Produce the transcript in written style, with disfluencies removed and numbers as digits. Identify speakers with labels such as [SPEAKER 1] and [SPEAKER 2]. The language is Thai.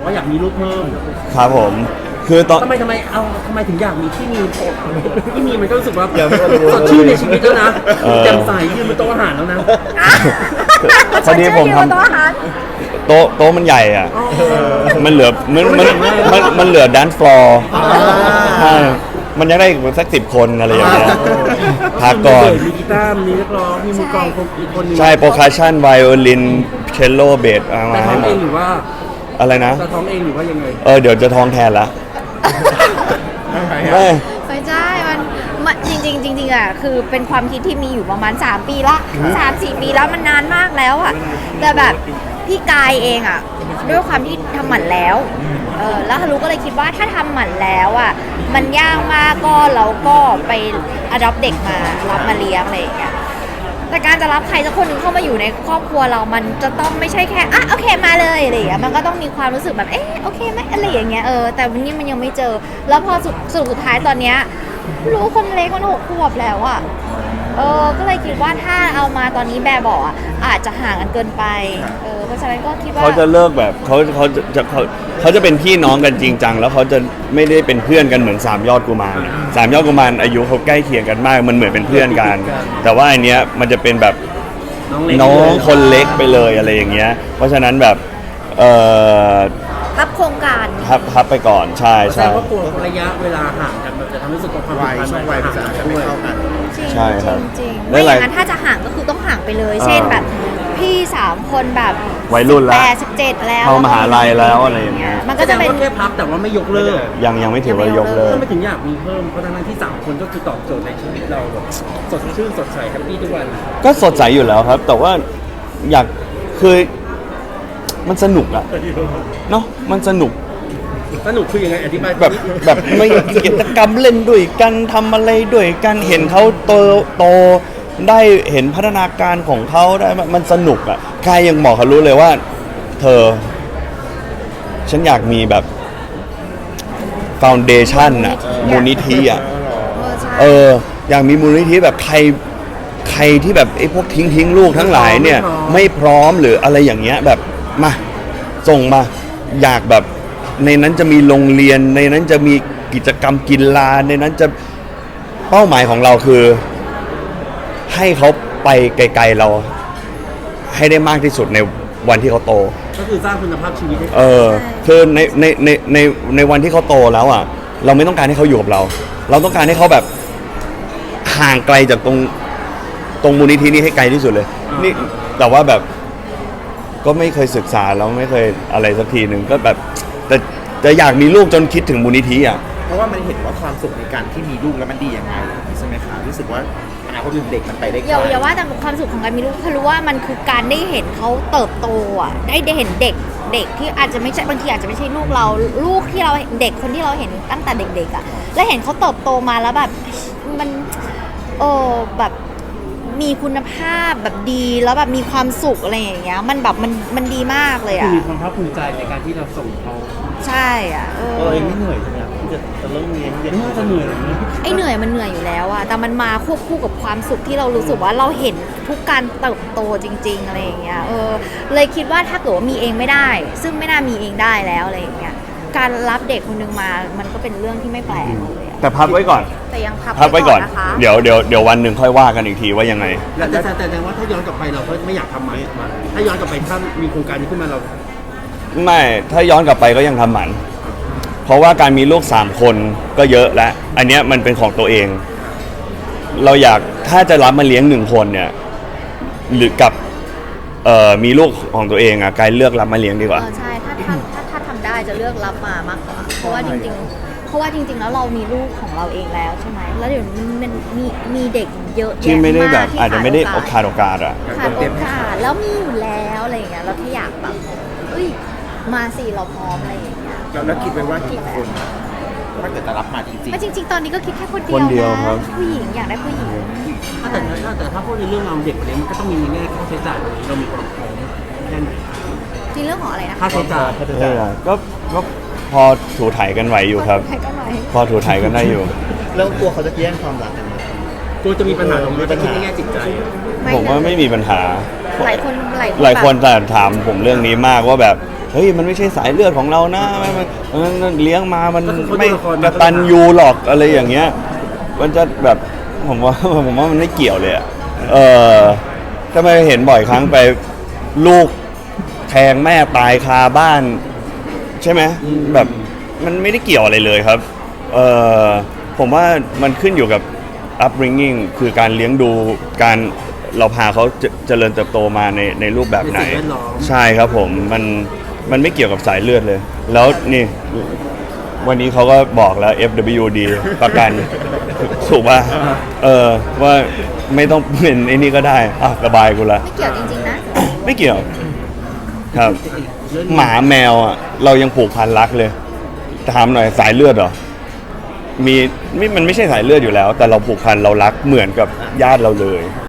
[SPEAKER 1] ว่าอยากมีลูกเพิ่ม
[SPEAKER 2] ครับผมคือตอน
[SPEAKER 1] ทำไมถึงอยากมีที่มีมันก็รู้สึกว่าสดชื่นในชีวิตแล้วนะแจ่มใสยืนบนโต๊ะอาหารแล้วนะ
[SPEAKER 2] พอดีผมทำโต๊ะมันใหญ่อ่ะมันเหลือมันเหลือแดนซ์ฟลอร์ใช่มันยังได้อีกสัก10 คนอะไรอย่างเงี้ยพักก่อน
[SPEAKER 1] มีกีตาร์มีนักร้องมีมือกลองอีกคนนึง
[SPEAKER 2] ใช่โปรคัชชั่นไวโอลินเชลโลเบสมาให้หมด
[SPEAKER 1] เองหรือว่า
[SPEAKER 2] อะไรนะ
[SPEAKER 1] จะท้องเองหรือว่ายังไง
[SPEAKER 2] เดี๋ยวจะท้องแทนละ
[SPEAKER 3] ไม่ใช่มันจริงอ่ะคือเป็นความคิดที่มีอยู่ประมาณ3 ปีละ3-4 ปีแล้วมันนานมากแล้วอ่ะแต่แบบพี่กายเองอ่ะด้วยความที่ทำหมันแล้วแล้วฮารุก็เลยคิดว่าถ้าทำหมันแล้วอ่ะมันยากมากก็เราก็ไปอดอปเด็กมารับมาเลี้ยงอะไรอย่างเงี้ยแต่การจะรับใครสักคนหนึ่งเข้ามาอยู่ในครอบครัวเรามันจะต้องไม่ใช่แค่โอเคมาเลยอะไรอย่างเงี้ยมันก็ต้องมีความรู้สึกแบบโอเคไหมอะไรอย่างเงี้ยแต่วันนี้มันยังไม่เจอแล้วพอสุดท้ายตอนเนี้ยรู้คนเล็กมัน6 ขวบแล้วอ่ะก็เลยคิดว่าถ้าเอามาตอนนี้แบบบอกอาจจะห่างกันเกินไปเพราะฉะนั้นก็คิดว่า
[SPEAKER 2] เขาจะเลิกแบบเขาจะเป็นพี่น้องกันจริงจังแล้วเขาจะไม่ได้เป็นเพื่อนกันเหมือน3 ยอดกุมาร3 ยอดกุมารอายุเขาใกล้เคียงกันมากมันเหมือนเป็นเพื่อนกันแต่ว่าอันเนี้ยมันจะเป็นแบบน้องคนเล็กไปเลยอะไรอย่างเงี้ยเพราะฉะนั้นแบบ
[SPEAKER 3] พับโครงการ
[SPEAKER 2] พับไปก่อนใช่
[SPEAKER 1] แสดงว่ากลัวระยะเวลาห่างกันมันจะทำให้รู้สึกว่าความ
[SPEAKER 4] ช่วงวัยมันจะไม่เข้ากัน
[SPEAKER 2] ใช่ครับ
[SPEAKER 3] จริงไม่อย่างนั้นถ้าจะห่างก็คือต้องห่างไปเลยเช่นแบบพี่3 คนแบบ
[SPEAKER 2] วัยรุ่นแล้ว
[SPEAKER 3] 17แล้ว
[SPEAKER 2] เข้ามหาลัยแล้วอะไรอย่างเงี้ย
[SPEAKER 1] มันก็จะเป็นแค่พับแต่ว่าไม่ยกเลิก
[SPEAKER 2] ยังไม่ถือว่ายกเลิก
[SPEAKER 1] ไม่ถึงอยากมีเพิ่มเพราะทั้งที่3 คนก็คือตอบโจทย์ในชีวิตเราแบบสดชื่นสดใสแฮปปี้ทุกวัน
[SPEAKER 2] ก็สดใสอยู่แล้วครับแต่ว่าอยากคือมันสนุกอะเนาะมันสนุก
[SPEAKER 1] คือยังไงอธิบาย
[SPEAKER 2] แบบไม่กิจกรรมเล่นด้วยกันทำอะไรด้วยกันเห็นเขาโตได้เห็นพัฒนาการของเขาได้มันสนุกอ่ะใครยังบอกเขารู้เลยว่าเธอฉันอยากมีแบบฟาวเดชั่นอ่ะมูลนิธิอ่ะอยากมีมูลนิธิแบบใครที่แบบไอ้พวกทิ้งลูกทั้งหลายเนี่ยไม่พร้อมหรืออะไรอย่างเงี้ยแบบมาส่งมาอยากแบบในนั้นจะมีโรงเรียนในนั้นจะมีกิจกรรมกีฬาในนั้นจะเป้าหมายของเราคือให้เขาไปไกลๆเราให้ได้มากที่สุดในวันที่เขาโต
[SPEAKER 1] ก็คือสร้างคุณภาพชีวิต
[SPEAKER 2] คือในวันที่เขาโตแล้วอ่ะเราไม่ต้องการให้เขาอยู่กับเราต้องการให้เขาแบบห่างไกลจากตรงมูลนิธินี้ให้ไกลที่สุดเลยนี่แต่ว่าแบบก็ไม่เคยศึกษาแล้วไม่เคยอะไรสักทีหนึ่งก็แบบแต่อยากมีลูกจนคิดถึงมูลนิธิอ่ะ
[SPEAKER 4] เพราะว่ามันเห็นว่าความสุขในการที่มีลูกแล้วมันดียังไงใช่ไหมคะรู้สึกว่าอนาคตของเด็กมันไปได้ไกล
[SPEAKER 3] อย่าว่าแต่ความสุขของการมีลูกเขารู้ว่ามันคือการได้เห็นเขาเติบโตอ่ะได้เห็นเด็กที่อาจจะไม่ใช่บางทีอาจจะไม่ใช่ลูกเราลูกที่เราเด็กคนที่เราเห็นตั้งแต่เด็กๆอ่ะแล้วเห็นเขาเติบโตมาแล้วแบบมันแบบมีคุณภาพแบบดีแล้วแบบมีความสุขอะไรอย่างเงี้ยมันแบบมันดีมากเลยอ่ะ
[SPEAKER 1] มีความภาคภูมิใจในการที่เราส่งเขา
[SPEAKER 3] ใช่อ่ะ
[SPEAKER 1] ไม่เหนื่อยใช่ไหมที่จะเริ่มเลี้ยงน่าจะเหนื่อย
[SPEAKER 3] เหนื่อยมันเหนื่อยอยู่แล้วอ่ะแต่มันมาควบคู่กับความสุขที่เรารู้สึกว่าเราเห็นทุกการเติบโตจริงๆอะไรอย่างเงี้ยเลยคิดว่าถ้าเกิดว่ามีเองไม่ได้ซึ่งไม่น่ามีเองได้แล้วอะไรอย่างเงี้ยการรับเด็กคนนึงมามันก็เป็นเรื่องที่ไม่แปลกเลย
[SPEAKER 2] แต่พักไว้ก่อน
[SPEAKER 3] แต่ยังพักไว้ก่อนนะคะ
[SPEAKER 2] เดี๋ยววันหนึ่งค่อยว่ากันอีกทีว่ายังไง
[SPEAKER 1] แต่ว่าถ้าย้อนกลับไปเราก็ไม่อยากทำหมันถ้าย้อนกลับไปถ้ามีโครงการนี้ขึ้นมาเรา
[SPEAKER 2] ไม่ถ้าย้อนกลับไปก็ยังทำหมันเพราะว่าการมีลูก3 คนก็เยอะแล้วอันเนี้ยมันเป็นของตัวเองเราอยากถ้าจะรับมาเลี้ยง1 คนเนี่ยหรือกับมีลูกของตัวเองกายเลือกรับมาเลี้ยงดีกว่า
[SPEAKER 3] ใช่ถ้าทำได้จะเลือกรับมามากกว่าเพราะว่าจริงแล้วเรามีลูกของเราเองแล้วใช่ไหมแล้วเดี๋ยวมันมีเด็กเยอะแยะมาก
[SPEAKER 2] ที่ไม่ได้แบบอาจจะไม่ได้ขาดโอกาส
[SPEAKER 3] ขาดโอกาสแล้วมีอยู่แล้วอะไรอย่างเงี้ยเราแค่อยากแบบมาสิเราพร้อมอะไรอย่างเงี้ย
[SPEAKER 4] แล้วคิดไว้ว่ากี่คนถ้าเกิดจะรับมาจริง
[SPEAKER 3] ๆจริงๆตอนนี้ก็คิดแค่คนเดียวนะผู้หญิงอยากได้ผู้หญิง
[SPEAKER 1] แต่ถ้าพูดในเรื่องเราเด็กคนนี้มันก็ต้องมีแง่ค่าใช้จ่ายเรามีความพร้อมแค่ไหน
[SPEAKER 3] ในเรื่องของอะไรนะ
[SPEAKER 1] ค่าใช้จ่าย
[SPEAKER 2] ก็พอถูถ่ายกันไหวอยู่ครับพอถูถ่ายกันได้อยู่
[SPEAKER 4] แล้วตัวเขาจะแย่งความรักกันไหม
[SPEAKER 1] ตัวจะมีปัญหาตรงนี้ในแง่จิตใจ
[SPEAKER 2] ผมว่าไม่มีปัญหา
[SPEAKER 3] หลายคน
[SPEAKER 2] แต่ถามผมเรื่องนี้มากว่าแบบเฮ้ยมันไม่ใช่สายเลือดของเรานะมันเลี้ยงมามัน
[SPEAKER 1] ก็คือเขา
[SPEAKER 2] ไม่
[SPEAKER 1] ดูละคร
[SPEAKER 2] กตัญญูหรอกอะไรอย่างเงี้ยมันจะแบบผมว่ามันไม่เกี่ยวเลยอะทำไมเห็นบ่อยครั้งไปลูกแทงแม่ตายคาบ้านใช่ไหมแบบมันไม่ได้เกี่ยวอะไรเลยครับผมว่ามันขึ้นอยู่กับ upbringing คือการเลี้ยงดูการเราพาเขาเจริญเติบโตมาในรูปแบบไหน
[SPEAKER 1] ในสิ่งแวดล้อม
[SPEAKER 2] ใช่ครับผมมันไม่เกี่ยวกับสายเลือดเลย แล้วนี่วันนี้เขาก็บอกแล้ว FWD ประกัน ถูกป่ะว่าไม่ต้องเป็นไอ้นี่ก็ได้ระบายกูละ
[SPEAKER 3] ไม่เกี่ยวจริงๆนะ
[SPEAKER 2] ไม่เกี่ยวครับ หมาแมวอ่ะเรายังผูกพันรักเลยถามหน่อยสายเลือดเหรอมันไม่ใช่สายเลือดอยู่แล้ว แต่เราผูกพันเรารักเหมือนกับญาติเราเลย